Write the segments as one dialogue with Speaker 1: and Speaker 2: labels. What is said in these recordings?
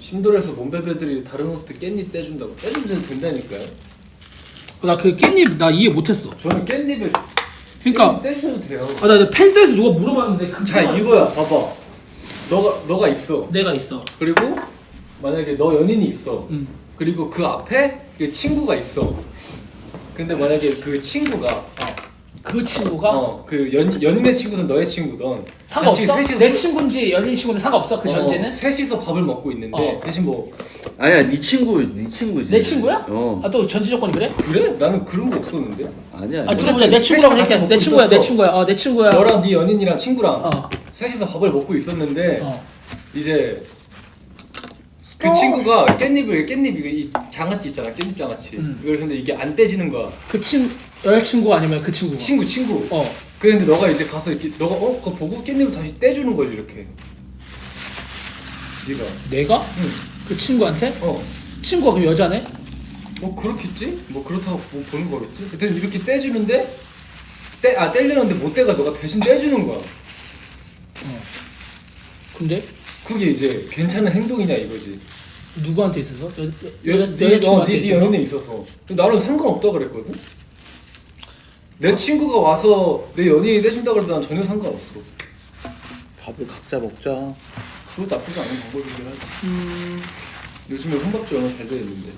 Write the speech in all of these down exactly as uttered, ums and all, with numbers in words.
Speaker 1: 심도에서 몸베베들이 다른 호스트 깻잎 떼준다고 떼주면 된다니까요.
Speaker 2: 나 그 깻잎 나 이해 못했어.
Speaker 1: 저는 깻잎을
Speaker 2: 그러니까
Speaker 1: 깻잎 떼주셔도 돼요.
Speaker 2: 아, 나 팬사에서 누가 물어봤는데 그
Speaker 1: 자 이거야 봐봐. 너가 너가 있어.
Speaker 2: 내가 있어.
Speaker 1: 그리고 만약에 너 연인이 있어.
Speaker 2: 응.
Speaker 1: 그리고 그 앞에 그 친구가 있어. 근데 만약에 그 친구가
Speaker 2: 어. 그 친구가
Speaker 1: 어 그 연 연인의 친구든 너의 친구든
Speaker 2: 상관없어?
Speaker 1: 같이 셋이서
Speaker 2: 내 친구인지 연인 친구는 상관없어? 그
Speaker 1: 어,
Speaker 2: 전제는?
Speaker 1: 셋이서 밥을 먹고 있는데
Speaker 2: 어.
Speaker 1: 대신 뭐
Speaker 3: 아니야, 네 친구, 네 친구지.
Speaker 2: 내 친구야?
Speaker 3: 어.
Speaker 2: 아 또 전제 조건이 그래?
Speaker 1: 그래? 나는 그런 거 없었는데.
Speaker 3: 아니야.
Speaker 2: 아
Speaker 3: 아니야.
Speaker 2: 들어보자. 내 친구라고
Speaker 1: 셋이 같이
Speaker 2: 할게. 내
Speaker 1: 먹고
Speaker 2: 친구야. 내
Speaker 1: 있었어.
Speaker 2: 친구야. 어 내 친구야.
Speaker 1: 너랑 네 연인이랑 친구랑
Speaker 2: 어.
Speaker 1: 셋이서 밥을 먹고 있었는데
Speaker 2: 어.
Speaker 1: 이제 그
Speaker 2: 어.
Speaker 1: 친구가 깻잎을 깻잎 이거 이 장아찌 있잖아 깻잎 장아찌
Speaker 2: 음.
Speaker 1: 이걸 근데 이게 안 떼지는 거야.
Speaker 2: 그 친 여자친구 아니면 그 친구?
Speaker 1: 친구 친구.
Speaker 2: 어.
Speaker 1: 그런데 너가 이제 가서 이렇게 너가 어 그거 보고 깻잎을 다시 떼주는 거지 이렇게. 네가.
Speaker 2: 내가?
Speaker 1: 응.
Speaker 2: 그 친구한테?
Speaker 1: 어.
Speaker 2: 친구가 그럼 여자네?
Speaker 1: 뭐 그렇겠지? 뭐 그렇다고 뭐 보는 거겠지? 그때 이렇게 떼주는데 떼 아 떼려는데 못 떼가 너가 대신 떼주는 거야.
Speaker 2: 어. 근데
Speaker 1: 그게 이제 괜찮은 행동이냐 이거지.
Speaker 2: 누구한테 있어서? 여,
Speaker 1: 여,
Speaker 2: 여,
Speaker 1: 네, 어,
Speaker 2: 여자친구한테
Speaker 1: 네, 네
Speaker 2: 있어서?
Speaker 1: 연인에 있어서 나는 상관없다 그랬거든. 내 친구가 와서 내 연인이 떼준다 그래도 난 전혀 상관없어.
Speaker 3: 밥을 각자 먹자.
Speaker 1: 그것도 나쁘지 않은 방법이긴 하지.
Speaker 2: 음...
Speaker 1: 요즘에 혼밥집 얼마나 잘 돼 있는데.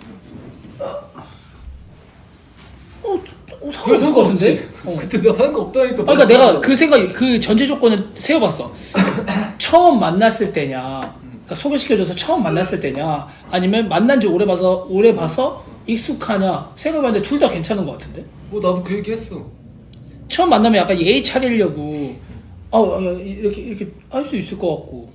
Speaker 2: 어, 어 상관없을 것 같은데? 어.
Speaker 1: 그때 내가 하는 거 없다니까.
Speaker 2: 아, 그러니까 내가 그 생각, 그 전제 조건을 세워봤어. 처음 만났을 때냐, 그러니까 소개시켜줘서 처음 만났을 때냐, 아니면 만난 지 오래 봐서 오래 봐서 익숙하냐 생각해봤는데 둘 다 괜찮은 것 같은데?
Speaker 1: 뭐 나도 그 얘기 했어.
Speaker 2: 처음 만나면 약간 예의 차리려고, 어, 이렇게 이렇게 할 수 있을 것 같고.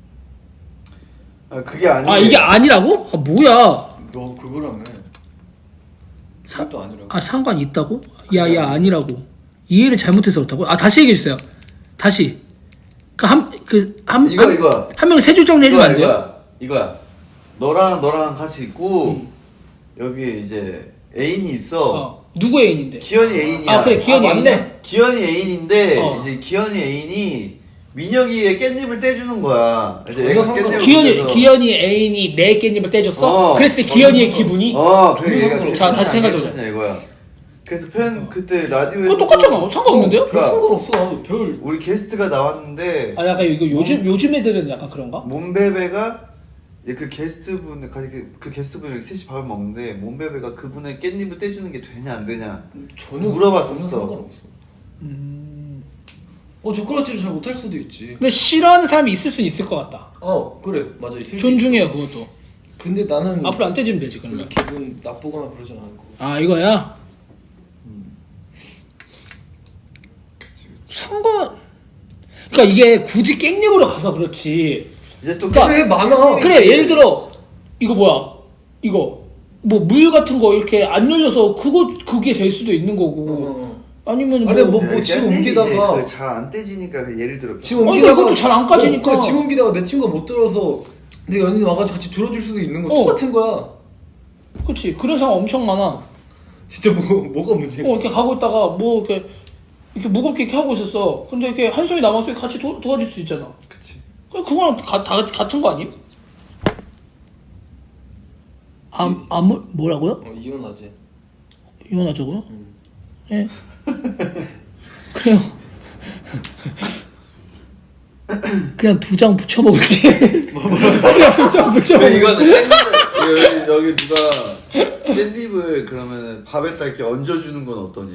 Speaker 3: 아, 그게 아니야.
Speaker 2: 아 이게 아니라고? 아 뭐야?
Speaker 1: 너 그거라며.
Speaker 2: 사-
Speaker 1: 그것도 아니라고.
Speaker 2: 아 상관 있다고? 야야 아니라고. 이해를 잘못해서 그렇다고? 아 다시 얘기해 주세요. 다시. 그한그한
Speaker 3: 이거, 이거.
Speaker 2: 한 명이 세 줄 정리해주면 안 돼요?
Speaker 3: 이거야, 이거야. 너랑 너랑 같이 있고
Speaker 2: 음.
Speaker 3: 여기 이제 애인이 있어.
Speaker 2: 어. 누구 애인인데?
Speaker 3: 기현이 애인이야.
Speaker 2: 아 그래 기현이
Speaker 1: 아, 맞네.
Speaker 2: 애인이야?
Speaker 3: 기현이 애인인데
Speaker 2: 어.
Speaker 3: 이제 기현이 애인이 민혁이의 깻잎을 떼주는 거야. 이제
Speaker 1: 전혀
Speaker 3: 애가
Speaker 1: 상관없어.
Speaker 3: 깻잎을
Speaker 2: 기현이
Speaker 3: 떼줘서.
Speaker 2: 기현이 애인이 내 깻잎을 떼줬어?
Speaker 3: 어.
Speaker 2: 그랬을 때 기현이의 기분이?
Speaker 3: 어, 그래 얘가
Speaker 1: 상관없어.
Speaker 3: 괜찮냐,
Speaker 2: 자, 다시 생각해보자.
Speaker 3: 괜찮냐, 이거야. 그래서 편 그때 라디오에
Speaker 2: 그거 똑같잖아. 상관없는데요?
Speaker 1: 별 상관없어. 별.
Speaker 3: 우리 게스트가 나왔는데
Speaker 2: 아 약간 이거 요즘 요즘 애들은 약간 그런가?
Speaker 3: 몬베베가 이제 그 게스트분 같이 그 게스트분이 이렇게 셋이 밥을 먹는데 몬베베가 그분의 깻잎을 떼주는 게 되냐 안 되냐
Speaker 1: 전혀
Speaker 3: 물어봤었어.
Speaker 1: 전혀 상관없어.
Speaker 2: 음.
Speaker 1: 어 젓가락질을 잘 못할 수도 있지.
Speaker 2: 근데 싫어하는 사람이 있을 수는 있을 것 같다.
Speaker 1: 어 그래 맞아. 있을 수
Speaker 2: 존중해요
Speaker 1: 있어.
Speaker 2: 그것도.
Speaker 1: 근데 나는
Speaker 2: 앞으로 안 떼주면 되지
Speaker 1: 별로
Speaker 2: 그러면.
Speaker 1: 기분 나쁘거나 그러진 않을 거.
Speaker 2: 아 이거야?
Speaker 3: 그치, 그치.
Speaker 2: 상관. 그러니까 이게 굳이 깽잎으로 가서 그렇지.
Speaker 3: 이제 또
Speaker 2: 그러니까
Speaker 1: 그래, 많아.
Speaker 2: 그래 예를 들어 이거 뭐야 이거 뭐 물 같은 거 이렇게 안 열려서 그거 그게 될 수도 있는 거고
Speaker 1: 어.
Speaker 2: 아니면 뭐
Speaker 1: 아니, 뭐, 뭐 집 옮기다가
Speaker 3: 잘안 떼지니까 그 예를 들어
Speaker 1: 집
Speaker 2: 아니,
Speaker 1: 옮기다가
Speaker 2: 이것도 잘안 까지니까.
Speaker 1: 어, 그래, 집 옮기다가 내 친구가 못 들어서 내 연인이 와가지고 같이 들어줄 수도 있는 거
Speaker 2: 어.
Speaker 1: 똑같은 거야.
Speaker 2: 그렇지 그런 상황 엄청 많아.
Speaker 1: 진짜 뭐 뭐가 문제야?
Speaker 2: 어 이렇게 가고 있다가 뭐 이렇게 이렇게 무겁게 이렇게 하고 있었어. 근데 이렇게 한 손이 남았으니 같이 도, 도와줄 수 있잖아.
Speaker 1: 그치.
Speaker 2: 그냥 그거랑 가, 다 같은 거 아님? 아, 아 뭐, 뭐라고요?
Speaker 1: 어 이혼하지.
Speaker 2: 이혼하자고요?
Speaker 1: 음.
Speaker 2: 예. 그래요. 그냥 두 장 붙여 먹을게. 그냥 두 장 붙여
Speaker 3: 왜
Speaker 2: 먹을게.
Speaker 3: 이거는 깻잎을 여기, 여기 누가 깻잎을 그러면 밥에다 이렇게 얹어주는 건 어떠니?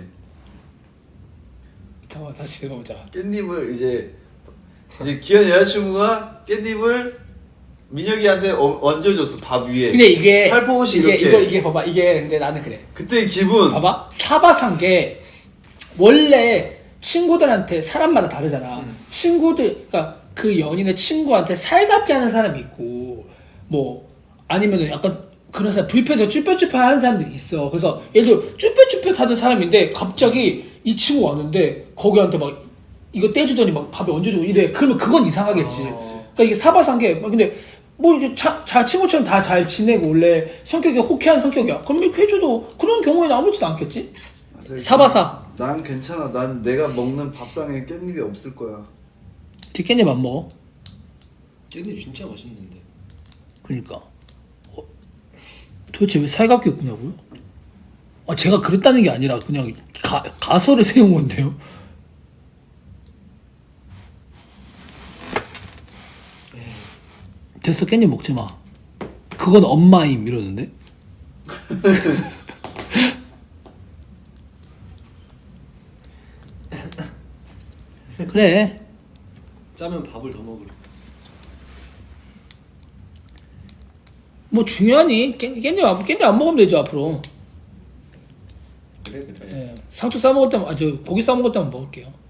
Speaker 2: 잠깐만 다시 생각해보자.
Speaker 3: 깻잎을 이제 이제 기현 여자친구가 깻잎을 민혁이한테 어, 얹어줬어 밥 위에.
Speaker 2: 근데 이게
Speaker 3: 살포시
Speaker 2: 이게
Speaker 3: 이렇게.
Speaker 2: 이거 이게 봐봐 이게 근데 나는 그래.
Speaker 3: 그때 기분.
Speaker 2: 봐봐 사바산 게 원래 친구들한테 사람마다 다르잖아.
Speaker 1: 음.
Speaker 2: 친구들 그러니까 그 연인의 친구한테 살갑게 하는 사람이 있고 뭐 아니면은 약간 그런 사람 불편해서 쭈뼛쭈뼛하는 사람들이 있어. 그래서 예를 들어 쭈뼛쭈뼛하는 사람인데 갑자기 이 친구 왔는데 거기한테 막 이거 떼주더니 막 밥에 얹어주고 이래. 그러면 그건 이상하겠지.
Speaker 1: 어.
Speaker 2: 그러니까 이게 사바산 게 근데 뭐 이제 자, 자 친구처럼 다 잘 지내고 원래 성격이 호쾌한 성격이야. 그럼 이렇게 해줘도 그런 경우에는 아무렇지도 않겠지?
Speaker 3: 맞아,
Speaker 2: 사바사.
Speaker 3: 난 괜찮아. 난 내가 먹는 밥상에 깻잎이 없을 거야.
Speaker 2: 뒷깻잎 안 먹어?
Speaker 1: 깻잎 진짜 맛있는데.
Speaker 2: 그니까 어, 도대체 왜 살갑게 구냐고요? 아 제가 그랬다는 게 아니라 그냥 가, 가설을 세운 건데요. 됐어 깻잎 먹지 마. 그건 엄마임 이러는데. 그래.
Speaker 1: 짜면 밥을 더 먹으래.
Speaker 2: 뭐 중요하니? 깻, 깻잎, 안- 깻잎 안 먹으면 되죠 앞으로.
Speaker 1: 그래 그래.
Speaker 2: 예, 상추 싸 먹을 때만, 아, 저 고기 싸 먹을 때만 먹을게요.